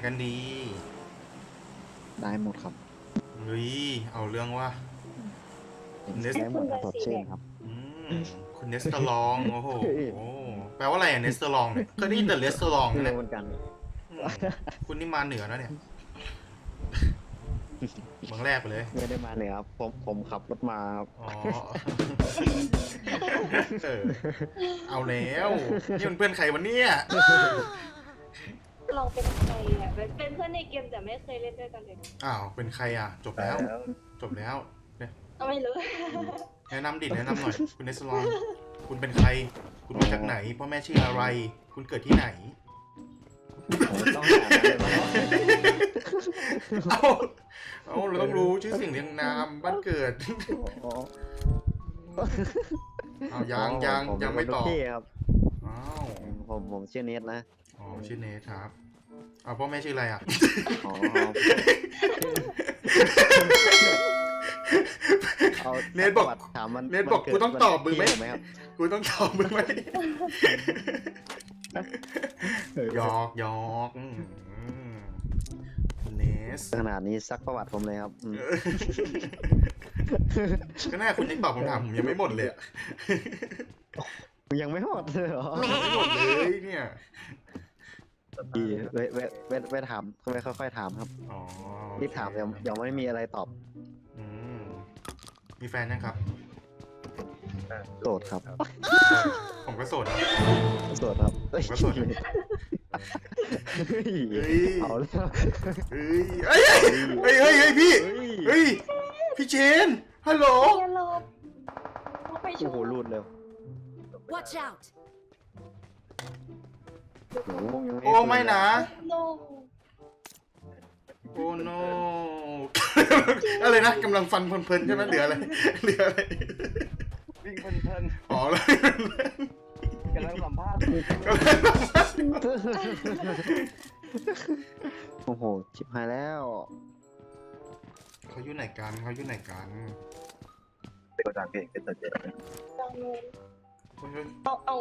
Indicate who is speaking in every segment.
Speaker 1: กันดี
Speaker 2: ได้หมดครับ
Speaker 1: เฮ้ยเอาเรื่องว่าเนส
Speaker 2: ได้หมดครับสดชื่นครับ
Speaker 1: คุณเนสเตอรองโอ้โหแปลว่าอะไรอะเนสเตอรองเนี่ยเคยได้ยินแต่เนสเตอรอง
Speaker 2: ไม่
Speaker 1: นะ
Speaker 2: รู้เหมือนกัน
Speaker 1: คุณนี่มาเหนือนะเนี่ยเมืองแรกไปเลย
Speaker 2: ไม่ได้มาเหนือครับผมขับรถมาครับ
Speaker 1: อ๋อเอาแล้วนี่มันเพื่อนใครวันนี้
Speaker 3: ลองเป็นใครอ่ะเป็นเพื่อนในเกมแต่ไม่เคยเล่นด้วยกันเลย
Speaker 1: อ้าวเป็นใครอ่ะจบแล้วจบแล้วเนี่ย
Speaker 3: ก็ไม่รู้
Speaker 1: แนะนำดิแนะนำหน่อยคุณเนสเตอรองคุณเป็นใครคุณมาจากไหนพ่อแม่ชื่ออะไร คุณเกิดที่ไหน
Speaker 2: ผมต้องหาอะไรมาแล้ว
Speaker 1: เอาเราต้องรู้ชื่อเสียงเรียงนามบ้านเกิด
Speaker 2: อ๋อ
Speaker 1: เอายังไม่ตอบ
Speaker 2: พี่ครับ
Speaker 1: อ้าว
Speaker 2: ผมชื่อเนทนะ
Speaker 1: อ๋อชื่อเนทครับเอาพ่อแม่ชื่ออะไรอ่ะ
Speaker 2: อ๋อเอา
Speaker 1: เนทบอก
Speaker 2: ถามมัน
Speaker 1: เนทบอกกูต้องตอบมึงไหม
Speaker 2: ไหมครับ
Speaker 1: กูต้องตอบมึงไหมหยอกเนส
Speaker 2: ขนาดนี้ซักประวัติผมเลยครับ
Speaker 1: ก็น่าคุณยังตอบคำถามผมยังไม่หมดเลยอะ
Speaker 2: ยังไม่หมดเลยเหรอ
Speaker 1: ไม่หมดเลยเนี่ย
Speaker 2: ดีเวถามค่อยๆถามครับ
Speaker 1: อ๋อ
Speaker 2: รีบถามยังไม่มีอะไรตอบ
Speaker 1: อืมมีแฟนยังครับ
Speaker 2: โสดครับ
Speaker 1: ผมก็โสดนะ
Speaker 2: โสดครับ
Speaker 1: ผมก็โสดนะ เฮ้ย
Speaker 2: เอาแล้ว
Speaker 1: เฮ้ยพี่เฮ้ยพี่เชนฮัลโหล
Speaker 3: อย่าหลบไปช
Speaker 2: โอ้โห
Speaker 3: ม
Speaker 2: รูดเร็ว
Speaker 4: Watch out!
Speaker 1: โอ้ไม่นะ
Speaker 3: โน
Speaker 1: โอ้โน อะไรนะกำลังฟันเพลินๆใช่ไหมเหลืออะไร
Speaker 5: วิ่งเพลิน
Speaker 1: อ๋อเลย
Speaker 5: ๆกำลังสัมภาษณ์
Speaker 2: โอ้โหชิบหายแล้ว
Speaker 1: เขาอยู่ไหนกัน
Speaker 5: เป็นตัวเพลงเป็นตัวเจ็ด
Speaker 3: ดังนู้นเอา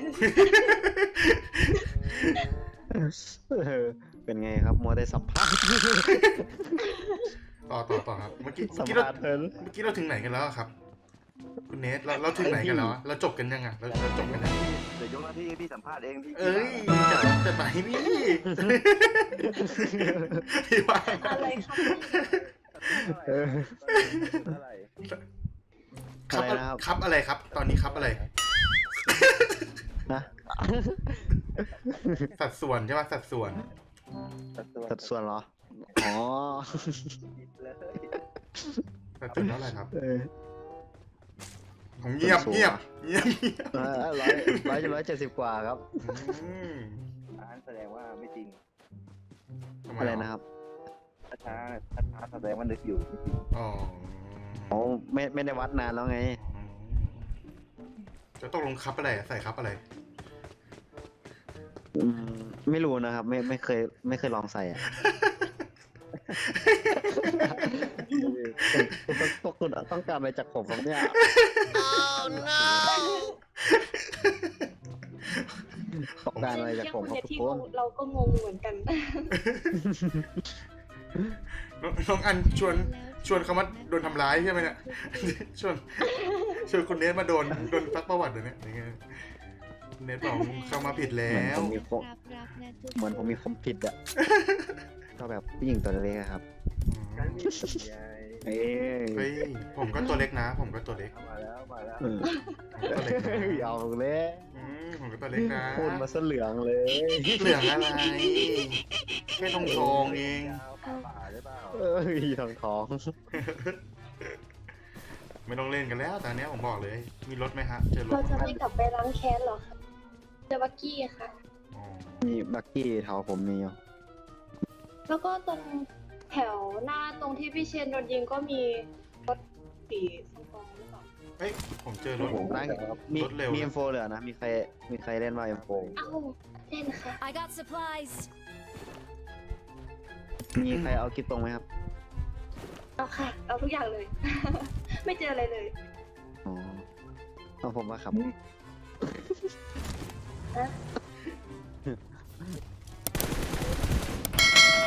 Speaker 2: เป็นไงครับมัวได้สัมภาษณ์
Speaker 1: ต่อครับเมื่อกี้
Speaker 2: สัม
Speaker 1: เรา
Speaker 2: ภาษณ์เพลิน
Speaker 1: ถึงไหนกันแล้วครับ คุณเนทเราถึงไหนกันแล้วเราจบกันยังเราจบกันยัง
Speaker 5: เดี๋ยวยกหน้าที่ให้พี่สัมภาษณ์เองพี่
Speaker 1: เอ้ยจะไหนพี่พี่ว่า
Speaker 3: อะไรครับ
Speaker 5: อะไร
Speaker 1: ครับอะไรครับ ตอนนี้ครับอะไร
Speaker 2: นะ
Speaker 1: สัดส่วนใช่ป่ะสัดส่วน
Speaker 2: สัดส่วนเหรอ อ๋อ
Speaker 1: สัดส่วนเท่าไหร่ครับ
Speaker 2: เออ
Speaker 1: ผมเงียบ
Speaker 2: 170 กว่าครับ
Speaker 1: อืม
Speaker 5: อ่านแสดงว่าไม่จริง
Speaker 1: ทำไม
Speaker 2: อะไรนะครับ
Speaker 5: ช้าแสดงว่านึกอยู่จริง
Speaker 1: อ๋อ
Speaker 2: อ๋อไม่ได้วัดนานแล้วไง
Speaker 1: จะต้องลงครับอะไรใส่ครับอะไร
Speaker 2: ไม่รู้นะครับ ไม่เคยลองใส่อ่ะพวกคุณต้องการอะไรจากผมครับเนี่ย
Speaker 4: Oh no!
Speaker 2: ต้องการอะไรจากผมครับทุก
Speaker 3: ที่
Speaker 2: คน
Speaker 3: เราก็งงเหมือนกัน
Speaker 1: น้องอันชวนเขามาโดนทำร้ายใช่ไหมเนี่ย ชวนคุณเนทมาโดนซักประวัติเดี๋ยวนี้อย่างเงี้ยเนทบอกเข้ามาผิดแล้ว
Speaker 2: เหมือนผมมีความผิดอ่ะ ก็แบบผู้หญิงตัวเล็กอะครับ
Speaker 5: ๆกันมีใหญ่
Speaker 2: เอ้ย
Speaker 1: เฮ้ยผมก็ตัวเล็กนะ ผมก็ตัวเล็ก
Speaker 5: มาแล้ว
Speaker 1: ผมก็ตัวเล็กนะ
Speaker 2: เอาเลย
Speaker 1: ผมก็ตัวเล็กนะ
Speaker 2: พูดมาซะเหลืองเลย
Speaker 1: เหลืองอะไรแค่ทองเอง
Speaker 5: ป่าหรือเปล่า
Speaker 2: เอ้ยท้อง
Speaker 1: ไม่ต้องเล่นกันแล้วตอนนี้ผมบอกเลย มีรถไหมฮะเจอรถ
Speaker 3: เราจะไม่กลับไปล้างแค้นหรอคะเจอบักกี้ค่ะ
Speaker 1: อ๋อ
Speaker 2: มีบักกี้แถวผมมีอยู่
Speaker 3: แล้วก็ตรงแถวหน้าตรงที่พี่เชนโดนยิงก็มีรถสีส้มๆหรือเปล่า
Speaker 1: เฮ้ยผมเจอรถ
Speaker 2: ผมตั้งมี
Speaker 1: รถเร็ว
Speaker 2: มี M4 เหลือนะ มีใครเล่นมา M4
Speaker 3: เอ้าเล่นค่ะ
Speaker 4: I got supplies.
Speaker 2: มีใครเอากิ๊บตรงไหมครับ
Speaker 3: เอาค่ะ เอาทุกอย่างเลย ไม่เจออะไรเลย
Speaker 2: อ๋อเอาผมมาครับ
Speaker 3: ฮะ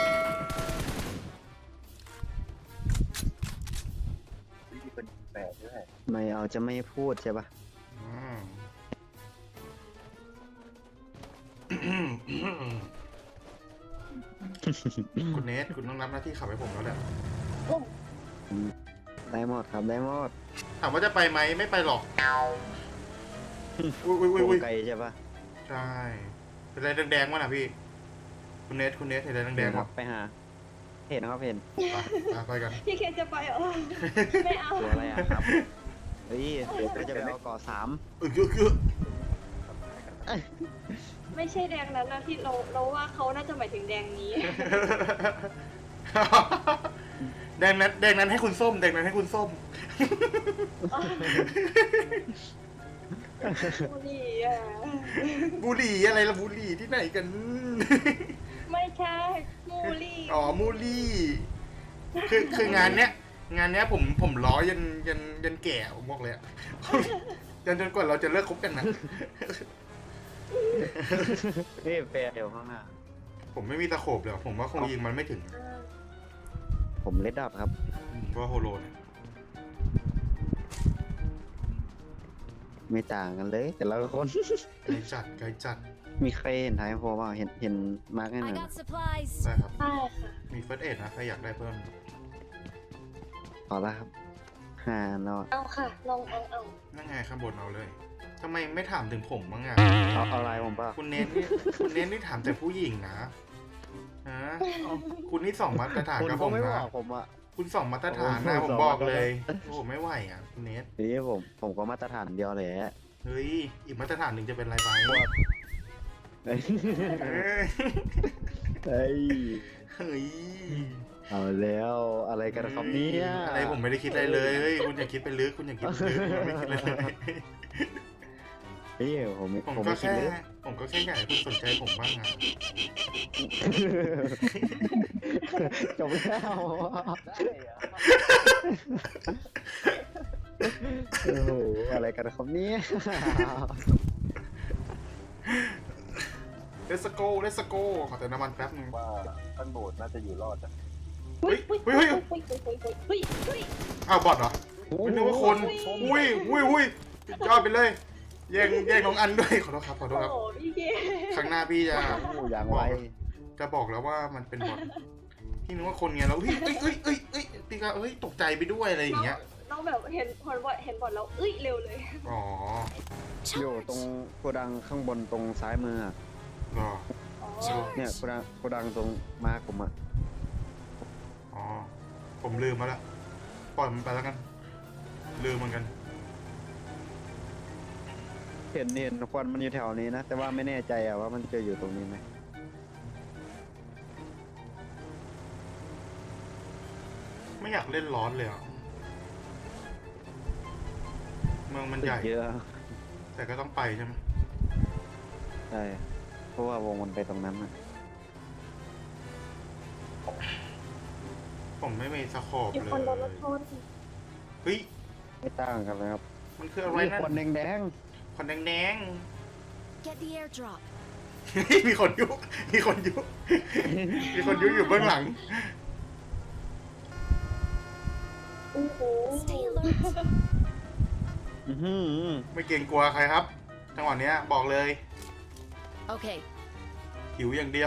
Speaker 2: ไม่เอาจะไม่พูดใช่ปะ
Speaker 1: อืมคุณเนทคุณต้องรับหน้าที่ขับให้ผมแล้วแหละ
Speaker 2: ได้หมดครับได้หมด
Speaker 1: ถามว่าจะไปไหมไม่ไปหรอก อุ้ยอุ้ยอุ้ยอุ้ย
Speaker 2: ไกลใช่ปะ
Speaker 1: ใช่เป็นอะไรแดงๆวะน่ะพี่ คุณเนทเห็นอะไรแดงๆ
Speaker 2: ค
Speaker 1: วะ
Speaker 2: รับไปหา เห็นนะครับเห็น
Speaker 1: ไปกัน
Speaker 3: พี่เคนจะไปเหรอไม่เอา
Speaker 2: ตัวอะไรอ่ะครับเฮ้ยเดี๋ยวก็จะไปเอาก่อ3
Speaker 1: เยอะ
Speaker 3: ไม่ใช่แดงนั้นนะที่เราว่าเขาน่าจะหมายถึงแดงนี้
Speaker 1: แดงนั้นให้คุณส้ม แดงนั้นให้คุณส้ม
Speaker 3: บุหรี่อ่ะ
Speaker 1: บุหรี่อะไรละบุหรี่ที่ไหนกัน
Speaker 3: ไม่ใช่มูลี่
Speaker 1: อ๋อมูลลี่ คืองานเนี้ยผมล้อยันแก่ผมบอกเลยอะ จนกว่าเราจะเลิกคบกันนะ
Speaker 2: นี่แฟร์เดี๋ยวข้างหน้า
Speaker 1: ผมไม่มีตะโขบเลยผมว่าคงยิงมันไม่ถึง
Speaker 2: ผมเลดดับครับ
Speaker 1: ก็โฮโลเนี่ย
Speaker 2: ไม่ต่างกันเลย แต่ละคน
Speaker 1: ไกลจัด
Speaker 2: มีใครเห็นท้ายโฟบ้างเห็นมาร์กให้ห
Speaker 4: I
Speaker 2: น่อย
Speaker 4: got supplies.
Speaker 1: ได้ครับ
Speaker 3: ใช่ค่ะ
Speaker 1: มีเฟิร์สเอ็ดนะใครอยากได้เพิ่ม
Speaker 2: ขอละครับ5 นอ
Speaker 3: เอาค่ะ ลองเอา
Speaker 1: นั่งไงข้างบนเอาเลยทำไมไม่ถามถึงผมบ้างอะ
Speaker 2: เอาอะไรผมป่ะ
Speaker 1: คุณเน้นนี่ถามแต่ผู้หญิงนะฮะคุณนี่สองมาตรฐาน
Speaker 2: คุณ
Speaker 1: กับ
Speaker 2: ก็
Speaker 1: ผม
Speaker 2: ไม่บ
Speaker 1: นะ
Speaker 2: อกผมอ่ะ
Speaker 1: คุณสองมาตรฐานนะ
Speaker 2: โอ้โห
Speaker 1: ผมบอก
Speaker 2: สองมาตรฐาน
Speaker 1: เลยโอ้โหไม่ไหวอ่ะคุณเนท
Speaker 2: นี่ผมก็มาตรฐานเดียวเลยอะ
Speaker 1: เฮ้ยอีกมาตรฐานหนึ่งจะเป็นอะไรไป
Speaker 2: เฮ้ย
Speaker 1: เอ้ย
Speaker 2: เฮ้ย
Speaker 1: เฮ้ย
Speaker 2: เอาแล้วอะไรกันครับเนี่ย
Speaker 1: อะไรผมไม่ได้คิดอะไรเลยเฮ้ยคุณอย่าคิดไปลึกคุณอย่าคิดไปลึกผมไม่คิดอะไรเลย
Speaker 2: เฮ้ยผม
Speaker 1: ผม
Speaker 2: ไม่
Speaker 1: ก็
Speaker 2: คิด
Speaker 1: แค่
Speaker 2: เลย
Speaker 1: ผมก็แค่อยากให้คุณสนใจผมบ้างอ่ะ
Speaker 2: จบแล้ว
Speaker 5: ได้เหรอ
Speaker 2: โอ้โหอะไรกันครับเนี่ย
Speaker 1: เลสโกขอแต่น้ำมันแป๊บนึง
Speaker 5: ว่าท่านโบสถ์น่าจะอยู่รอดอะ
Speaker 3: เฮ้ย
Speaker 1: เฮ้ย อ้าวบอทเหรอไม่นึกว่าคนอุ้ยยอดไปเลยแย่งน้องอันด้วยขอโทษครับ
Speaker 3: โอ้โหพี่เคน
Speaker 1: ครั้งหน้าพี่จะ
Speaker 2: โอ้อย่างไว
Speaker 1: จะบอกแล้วว่ามันเป็นบอทพี่นึกว่าคนไงแล้วเฮ้ยพี่ก็ตกใจไปด้วยอะไรอย่างเงี้ย
Speaker 3: น้องแบบเห็นบอลแล้วเร็วเลย
Speaker 1: อ๋อ
Speaker 2: อยู่ตรงโกดังข้างบนตรงซ้ายมืออะ
Speaker 1: เหรอ
Speaker 3: อ๋อ
Speaker 2: เนี่ยโกดังตรงมาร์คผมอะ
Speaker 1: อ๋อผมลืมมาละปล่อยมันไปแล้วกันลืมเหมือนกัน
Speaker 2: เห็นควันมันอยู่แถวนี้นะ แต่ว่าไม่แน่ใจอะว่ามันจะอยู่ตรงนี้ไหม
Speaker 1: ไม่อยากเล่นร้อนเลยอ่ะเมืองมันใหญ่
Speaker 2: เยอะ
Speaker 1: แต่ก็ต้องไปใช่ไหม
Speaker 2: ใช่เพราะว่าวงมันไปตรงนั้นอะ
Speaker 1: ผมไม่มีสโคป
Speaker 3: มี
Speaker 1: เล
Speaker 3: คนโดนรถ
Speaker 1: ย
Speaker 3: ชน
Speaker 1: เฮ้ย
Speaker 2: ไม่ต่างกันเลยครับ
Speaker 1: มันคืออะไร
Speaker 2: มี
Speaker 1: นั่น
Speaker 2: ควันแดง
Speaker 1: ควันแดง
Speaker 4: Get the airdrop.
Speaker 1: ๆ มีคนยุอยู่เบื้องหลัง
Speaker 3: โอ้โห
Speaker 4: Stay alert.
Speaker 2: ๆอื้อหือ
Speaker 1: ไม่เกรงกลัวใครครับ จังหวะเนี้ยบอกเลย
Speaker 4: Okay.
Speaker 1: หิวอย่างเดียว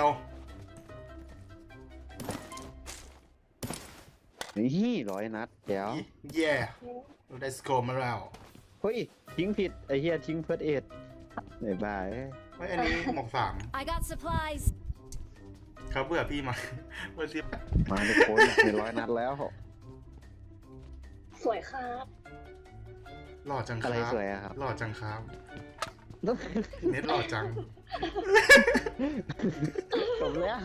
Speaker 2: นี่100 นัดเดี๋ยว
Speaker 1: แย่ได้สโคปมาแล้ว
Speaker 2: เฮ้ยทิ้งผิดไอเฮียทิ้งเพิร์ดเอ็ดบ๊ายบาย
Speaker 1: เฮ้ยอันนี้หมอกสาม
Speaker 4: I got supplies.
Speaker 1: เขาเบื่อพี่มา เมื่อที่
Speaker 2: มาทุกคนมี100 นัดแล้ว
Speaker 3: สวยครับ
Speaker 1: หล่อจังค
Speaker 2: อะไร
Speaker 1: รับ
Speaker 2: สวยอะครับ
Speaker 1: หล่อจังครับ เน็ตหล่อจัง
Speaker 2: จบแล้ว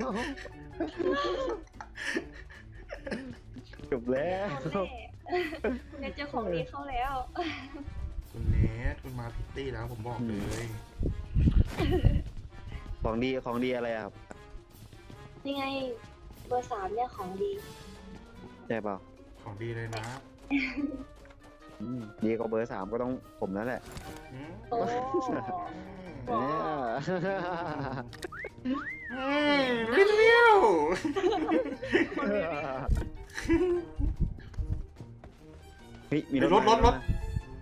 Speaker 2: จบแล้ว
Speaker 3: คุณเนทเจอของดีเข้าแล้ว
Speaker 1: คุณเนทคุณมาพิตตี้แล้วผมบอกเลย
Speaker 2: ของดีอะไรอะครับ
Speaker 3: นี่ไงเบอร์ 3เนี่ยของดี
Speaker 2: ใช่เปล่า
Speaker 1: ของดีเลยนะ
Speaker 2: ดีกว่าเบอร์ 3ก็ต้องผมนั่นแหละ
Speaker 1: อืม
Speaker 3: โอ้
Speaker 2: เนี่ย
Speaker 1: วิว
Speaker 2: เฮ้ยมี
Speaker 1: รถ
Speaker 2: มา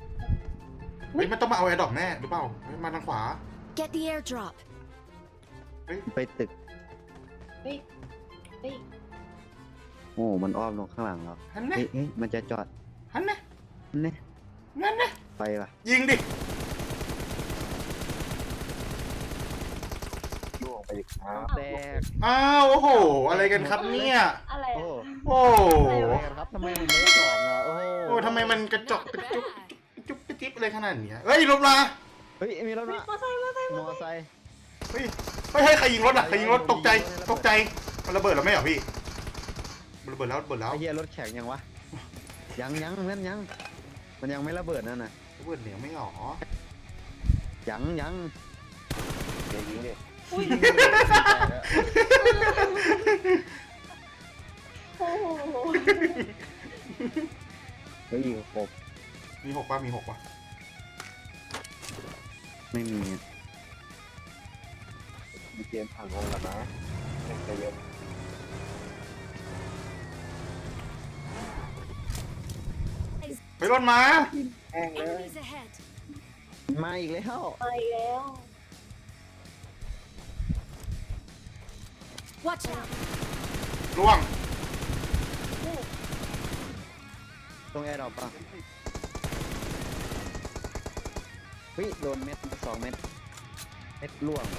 Speaker 1: ฮ้ยมันต้องมาเอาแอร์ดรอปแน่หรือเปล่าเฮ้ยมาทางขวา
Speaker 4: Get the airdrop.
Speaker 2: ไปตึก
Speaker 3: เฮ้ยเฮ้ย
Speaker 2: โอ้มันอ้อมลงข้างหลังแล้ว
Speaker 1: หันนะ
Speaker 2: เฮ้ยมันจะจอด
Speaker 1: หันนะ
Speaker 2: เนี่ย
Speaker 1: งั้นนะ
Speaker 2: ไปว่ะ
Speaker 1: ยิงดิ
Speaker 5: ล่วงไปอีกครับ
Speaker 2: แตก
Speaker 1: อ้าวโอ้โห อะไรกันครับเนี่ย
Speaker 3: อะไร
Speaker 2: โอ้
Speaker 3: อะ
Speaker 1: โอ้
Speaker 2: อะไรกันครับทำไมมันไม่สองอ่ะโอ้
Speaker 1: โอ้ทำไมมันกระจอกกระจุกจุ๊บกระจิ๊บอะไรขนาดเนี้ยเฮ้ยลบลา
Speaker 2: เฮ้ยมีรถ
Speaker 3: เฮ้ย
Speaker 2: มาม
Speaker 3: อไซค์มอไซค์
Speaker 2: มอไซค์
Speaker 1: เฮ้ยเฮ้ยใครยิงรถอ่ะใครยิงรถตกใจตกใจมันระเบิดแล้วไม่เหรอพี่มันระเบิดแล้วระเบิดแล้ว
Speaker 2: ไอ้เหี้ยรถแข็งยังวะยังนั่นยังมันยังไม่ระเบิดนั่นน่ะ
Speaker 1: ระเบิดเหนียวไม่หรอ
Speaker 2: ยัง
Speaker 5: เดี๋ยวยิงดิ
Speaker 3: อุ้ยโอ้โห
Speaker 2: เฮ้ยครบ
Speaker 1: มีหกป่ะมีหกป่ะ
Speaker 2: ไม่มีอะ
Speaker 5: มีเกมผ่านวงแล้วนะเล่นใจเย็น
Speaker 1: ไปรถมา
Speaker 5: แห้งเลย
Speaker 4: Enemies ahead.
Speaker 2: มาอีกแล้ว
Speaker 3: ไปแล้ว
Speaker 4: Watch out.
Speaker 1: ล่วง
Speaker 2: ตรงแอร์ดรอปป่ะเฮ้ยโดนเม็ด2 เม็ดล่วง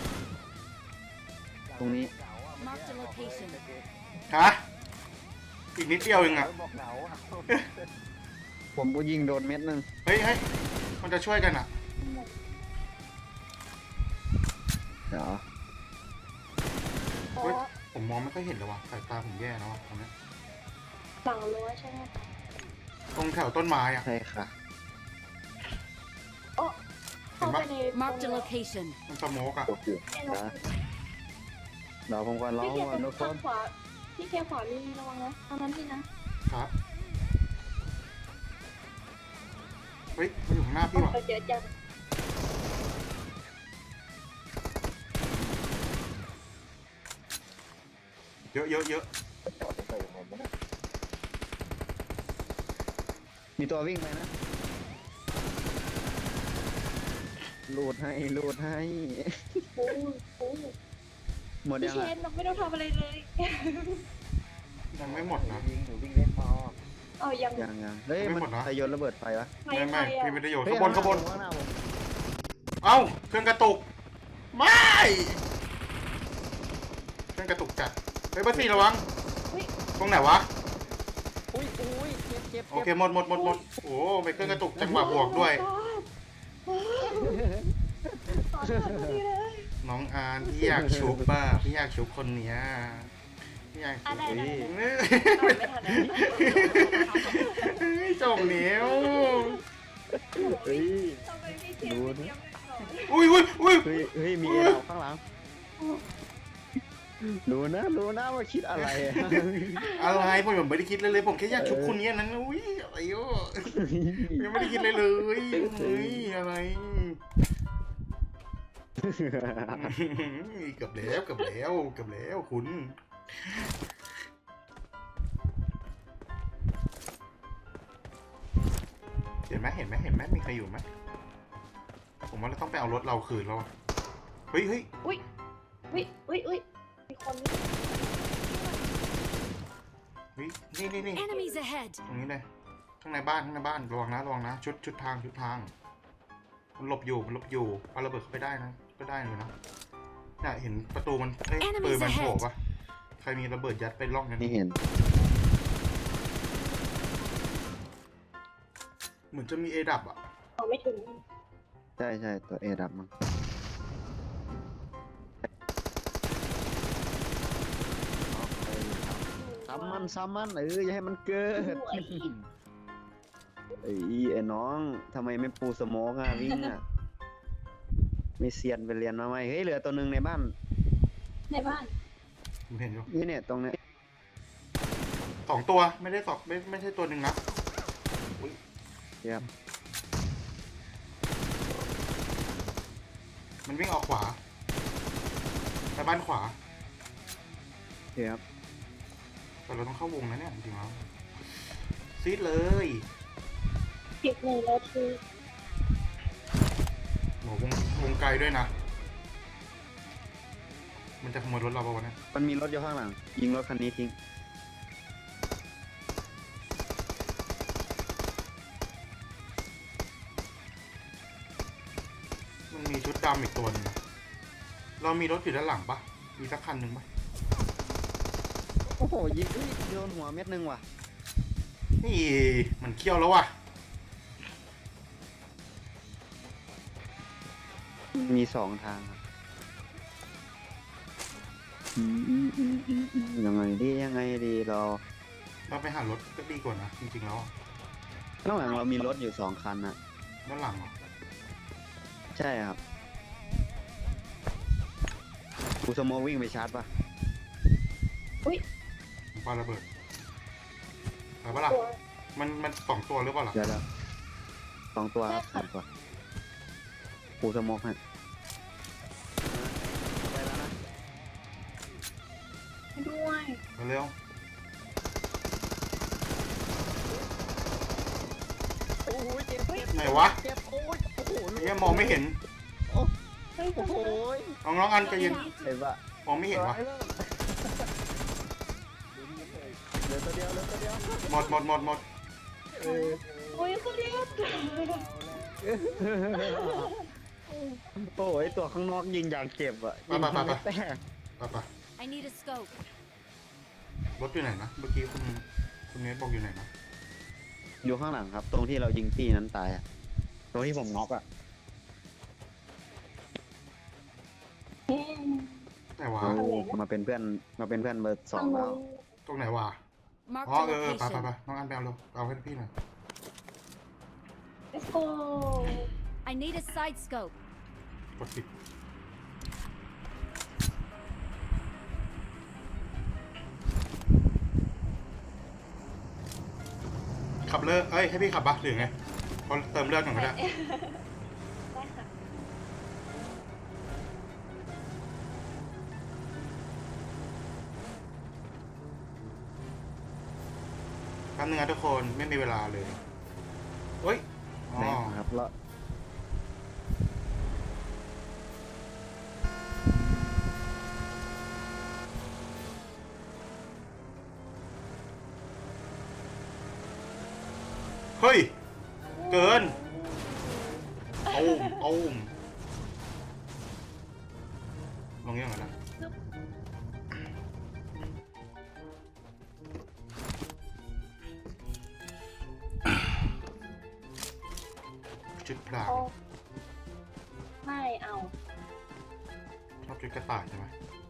Speaker 2: ตรงนี้
Speaker 4: Mark the location.
Speaker 1: ฮะอีกนิดเดียวเองอ่ะ
Speaker 5: บอกเหงาอะ
Speaker 2: ผมก็ยิงโดนเม็ดนึง
Speaker 1: เฮ้ยเฮ้ยมันจะช่วยกันอ่ะ
Speaker 2: เดี๋ยว
Speaker 3: อ๋อ
Speaker 1: เฮ้ยผมมองไม่ค่อยเห็นเลยว่ะสายตาผมแย่แล้วว่ะตรงเนี้ย
Speaker 3: ฝั่งรั้วใช่ไหม
Speaker 1: ตรงแถวต้นไม้อ่ะ
Speaker 2: ใช่ค่ะ
Speaker 3: โอ้เข้าไปใน
Speaker 4: Mark the location.
Speaker 1: มันสโมกอ่ะ
Speaker 5: ตกอยู่
Speaker 3: ไอ้น้อง
Speaker 2: เดี๋ยวผมก่อนร้อง
Speaker 3: พี่เค
Speaker 2: ก่อนทุกค
Speaker 3: ทาน งขวาพี่เคขวามีระวังนะตอนนั้นพี่นะครับ
Speaker 1: เฮ้ยมันอยู่ข้างหน้าพี่ว่ะ
Speaker 3: ไปเจอจัง
Speaker 1: เยอะเยอะเยอะ
Speaker 5: จอดไปยังไงไม่ได้
Speaker 2: มีตัววิ่งไปนะลูดให้
Speaker 3: โอ้โห
Speaker 2: หมด
Speaker 3: พี่
Speaker 2: ยัง
Speaker 3: เช
Speaker 2: อ่ะ
Speaker 3: นเราไม่ต้องทำอะไรเลย
Speaker 1: ยังไม่หมดนะ
Speaker 5: ยิงหนูวิ่งเล่นพอ
Speaker 3: เอายัง
Speaker 2: ยังเฮ้ย
Speaker 1: ไม่
Speaker 2: มัน
Speaker 1: หมดนะ
Speaker 2: ใครโยนระเบิดไฟวะ
Speaker 3: ใคร
Speaker 1: ไม่
Speaker 3: ใคร
Speaker 1: ไม่
Speaker 3: อะ
Speaker 1: พี่ไม่ได้โยน
Speaker 2: เฮ้ย
Speaker 1: ขางบนขางบน
Speaker 2: ข้างหน้าผม
Speaker 1: เอ้าเครื่องกระตุกไม่เครื่องกระตุกจัดเฮ้ยบัสซี่ระวัง
Speaker 3: เฮ้ย
Speaker 1: ตรงไหนวะ
Speaker 2: อุ้ยเจ็บ
Speaker 1: โอเคหมดโอ้ไปเครื่องกระตุกจังหวะบวกด้วย
Speaker 3: ขอโทษพอดีเลย
Speaker 1: น้องอานพี่อยากชุบบ้าพี่อยากชุบคนเนี้ยพี่อยาก
Speaker 3: อะไร
Speaker 1: ชุบ
Speaker 3: ได้
Speaker 1: เฮ้ย
Speaker 3: ไม่ทันแล้ว
Speaker 1: เฮ้ยจบเหนียว
Speaker 2: เฮ้ย
Speaker 3: ทำไมพี่เชนไม่เตรียมไว้ก่อน
Speaker 1: อุ้ย
Speaker 2: เฮ้ยมีเอดาวข้างหลังรู้นะว่าคิดอะไรอะ
Speaker 1: อะไรผมไม่ได้คิดเลยผมแค่อยากชุบคนเนี้ยนั้นอุ้ยอะไรอ่ะยังไม่ได้คิดเลยเลยเฮ้ยอะไรเกือบแล้วคุณเห็นไหมมีใครอยู่ไหมผมว่าเราต้องไปเอารถเราคืนแล้วอะเฮ้ย
Speaker 3: อุ้ยมีคนนี่
Speaker 1: เฮ้ยนี่
Speaker 4: Enemies ahead.
Speaker 1: ตรงนี้เลยข้างในบ้านระวังนะชุดทางมันหลบอยู่เอาระเบิดเข้าไปได้นะก็ได้เลยนะเนี่ยเห็นประตูมันเอ้ย
Speaker 4: Enemies
Speaker 1: ปืนมันโผล่
Speaker 4: ahead
Speaker 1: ปะใครมีระเบิดยัดไปล่องนั้น
Speaker 2: นี่เห็น
Speaker 1: เหมือนจะมีเอดับอ่ะ
Speaker 3: เอาไม่ถึง
Speaker 2: ใช่ตัวเอดับมั้งซ้ำมันอย่าให้มันเกิด
Speaker 3: สวย
Speaker 2: ไอ้น้องทำไมไม่ปูสโมกอ่ะวิ่งอ่ะไม่เซียนไปเรียนมาไหมเฮ้ยเหลือตัวหนึ่งในบ้าน
Speaker 3: ในบ้าน
Speaker 1: ผมเห็นอยู่
Speaker 2: นี่เนี่ยตรงเนี้ย
Speaker 1: 2 ตัวไม่ได้ไม่ใช่ตัวหนึ่งนะ
Speaker 2: เยี่ยม
Speaker 1: มันวิ่งออกขวาไปบ้านขวา
Speaker 2: เยี่ยม
Speaker 1: แต่เราต้องเข้าวงนะเนี่ยจริงๆแล้วซีดเลย
Speaker 3: 11 นาที
Speaker 1: โหวงไกลด้วยนะ มันจะขโมยรถเราป่าวะเนี่ย
Speaker 2: มันมีรถอยู่ข้างหลัง ยิงรถคันนี้ทิ้ง
Speaker 1: มันมีชุดดำอีกตัวหนึงนะเรามีรถอยู่ด้านหลังปะมีสักคันหนึ่งปะ
Speaker 2: โอ้โหยิงอุ๊ยโดนหัวเม็ดนึงว่ะ
Speaker 1: นี่มันเคี้ยวแล้วว่ะ
Speaker 2: มีสองทางครับยังไงดีเรา
Speaker 1: เราไปหารถก็ดีกว่านะจริงๆแล้วอะ
Speaker 2: ข้างหลังเรามีรถอยู่สองคันนะ
Speaker 1: ด้านหลังเหรอ
Speaker 2: ใช่ครับกูสโมวิ่งไปชาร์จปะ
Speaker 1: ปาระเบิดไปปะล่ะ
Speaker 3: ตัว
Speaker 1: มันสองตัวหรือเปล่าล่ะ
Speaker 2: เดี๋ยวสองตัวครับ
Speaker 3: ใช่
Speaker 2: ส
Speaker 3: ค่ะ
Speaker 2: องตัวกูสโมให้ไปแล้วนะ
Speaker 3: ด้วย
Speaker 1: เร็ว
Speaker 2: โอ้ยเจ็บ
Speaker 1: ๆไหนวะ
Speaker 2: เจ็บโอ้ยโอ้โห
Speaker 1: เฮียมองไม่เห็น
Speaker 3: เฮ้ย
Speaker 2: โอ้โห
Speaker 1: น้องๆอันใจเย็น
Speaker 2: เห็นปะ
Speaker 1: มองไม่เห็นวะ
Speaker 2: เหลือตัวเดียว
Speaker 1: หมด
Speaker 2: เออ
Speaker 3: โอ้ยเขาเรียก
Speaker 2: โอ้ยตัวข้างนอกยิงอย่างเจ็บอ่ะ
Speaker 1: ไป
Speaker 2: ยิง
Speaker 1: ไป
Speaker 2: ไม่แตก
Speaker 1: ไป
Speaker 4: I need a scope.
Speaker 1: รถอยู่ไหนนะเมื่อกี้คุณเนทบอกอยู่ไหนนะ
Speaker 2: อยู่ข้างหลังครับ ตรงที่เรายิงตีนั้นตายอ่ะตรงที่ผมน็อกอ่ะ
Speaker 1: แต่ว่า
Speaker 2: โอ้มาเป็นเพื่อนเบอร์สองแล้ว
Speaker 1: ตรงไหนวะ
Speaker 4: Marked
Speaker 1: อ๋อ
Speaker 4: a
Speaker 1: ไป
Speaker 4: location.
Speaker 1: น้องอันไปเอาเร็วเอาให้พี่หน่อย
Speaker 3: let's go
Speaker 4: I need a side scope.
Speaker 1: กดผิดขับเลิกให้พี่ขับปะหรือไงพอเติมเลือดก่อนก็ได้
Speaker 3: ได้ค่ะ
Speaker 1: แป๊บนึงนะทุกคนไม่มีเวลาเลยเฮ้ยอ๋อ
Speaker 2: แน่ครับแล้ว
Speaker 1: เฮ้ย เกินตูมลงยังไงนะชุดพราง
Speaker 3: โอ้ไม่เอา
Speaker 1: ชอบชุดกระต่ายใช่ไหม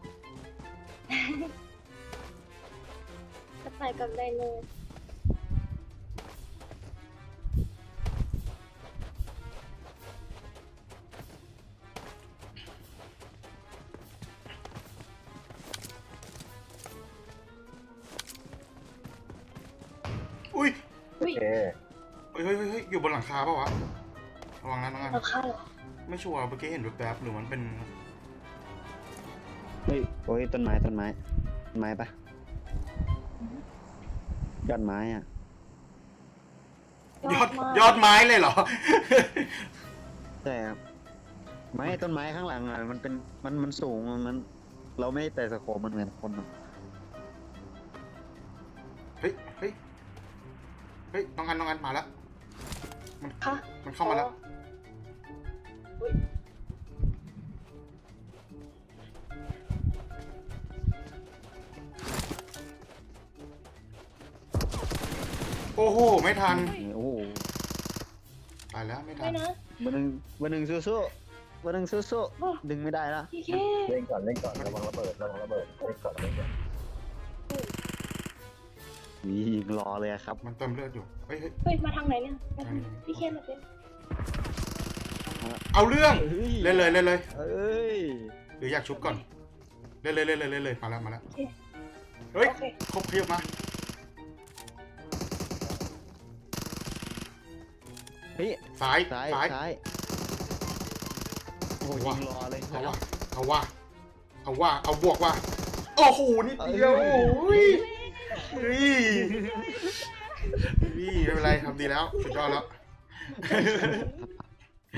Speaker 3: จะไปกับไดโน
Speaker 1: อุ้ย
Speaker 3: อุ้ย
Speaker 5: โอเค
Speaker 1: เฮ้ยอยู่บนหลังคาปะวะระวังนะน้องอัน
Speaker 3: ราคาเหรอ
Speaker 1: ไม่ชัวร์เมื่อกี้เห็นแวบๆหรือมันเป็น
Speaker 2: เฮ้ยโอ้ยต้นไม้ปะยอดไม้อ่ะ
Speaker 1: ยอดไม้เลยเหรอ
Speaker 2: ใช่ครับไม้ต้นไม้ข้างหลังอ่ะมันเป็นมันสูงมันเราไม่ได้แต่สโคปมันเหมือนคนอะ
Speaker 1: เฮ้ยน้องอันมาแล้ว
Speaker 3: ค่ะ
Speaker 1: มันเข้ามาแล้ว
Speaker 3: อุ้ย
Speaker 1: โอ้โหไม่ทัน
Speaker 2: โอ้โห
Speaker 1: ตายแล้วไม่ทั
Speaker 3: ไม่
Speaker 1: น
Speaker 3: นะ
Speaker 2: เบอร์หนึ่งสู้ๆดึงไม่ได้ละ
Speaker 3: พี่เค
Speaker 5: เล่นก่อนระวังระเบิดเล่นก่อน
Speaker 2: นี่รอเลยอะครับ
Speaker 1: มันเติมเลือดอยู่เฮ้ย
Speaker 3: เฮ้ย มาทางไหนเนี่ยมาทางไหนพี่เคมาเป็น
Speaker 1: เอาเรื่อง
Speaker 2: เฮ้ย
Speaker 1: เล่นเลย
Speaker 2: เอ้ย
Speaker 1: หรืออยากชุบก่อนเล่นเลยมาแล้ว
Speaker 3: โอเค
Speaker 1: เฮ้ย
Speaker 3: โอเค
Speaker 1: ครบเพียบมา
Speaker 2: เฮ้ย
Speaker 1: ซ้าย
Speaker 2: โอ้โหยิงรอเลย
Speaker 1: เอาบวกว่ะโอ้โหนิดเดียวโอ้ยไม่เป็นไรทำดีแล้วสุดยอดแล้ว